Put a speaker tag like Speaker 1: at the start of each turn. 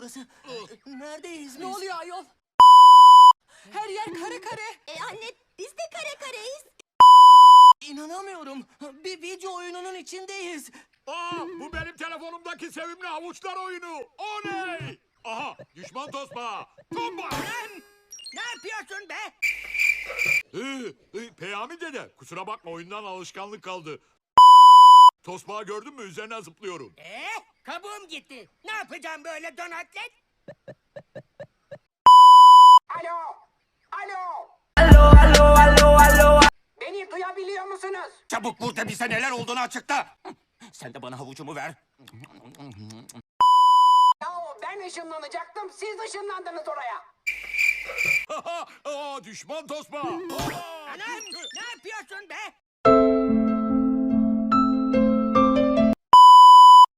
Speaker 1: torbası. Neredeyiz
Speaker 2: Ne
Speaker 1: biz?
Speaker 2: oluyor ayol? Her yer kare kare.
Speaker 3: Anne biz de kare kareyiz.
Speaker 1: İnanamıyorum. Bir video oyununun içindeyiz.
Speaker 4: Aa, bu benim telefonumdaki sevimli havuçlar oyunu. Oley! Aha, düşman tosbağa. Tomba!
Speaker 5: Ne yapıyorsun be?
Speaker 4: Peyami dede, kusura bakma oyundan alışkanlık kaldı. Tosbağa gördün mü? Üzerine zıplıyorum.
Speaker 5: Kabuğum gitti. Ne yapacağım böyle donatlet?
Speaker 6: Alo! Alo! Beni duyabiliyor musunuz?
Speaker 5: Çabuk burada bize neler olduğunu açıkla. Sen de bana havucumu ver.
Speaker 6: Yahu ben ışınlanacaktım, siz ışınlandınız oraya.
Speaker 4: Aa, düşman tosbağa.
Speaker 5: Anam ne yapıyorsun be?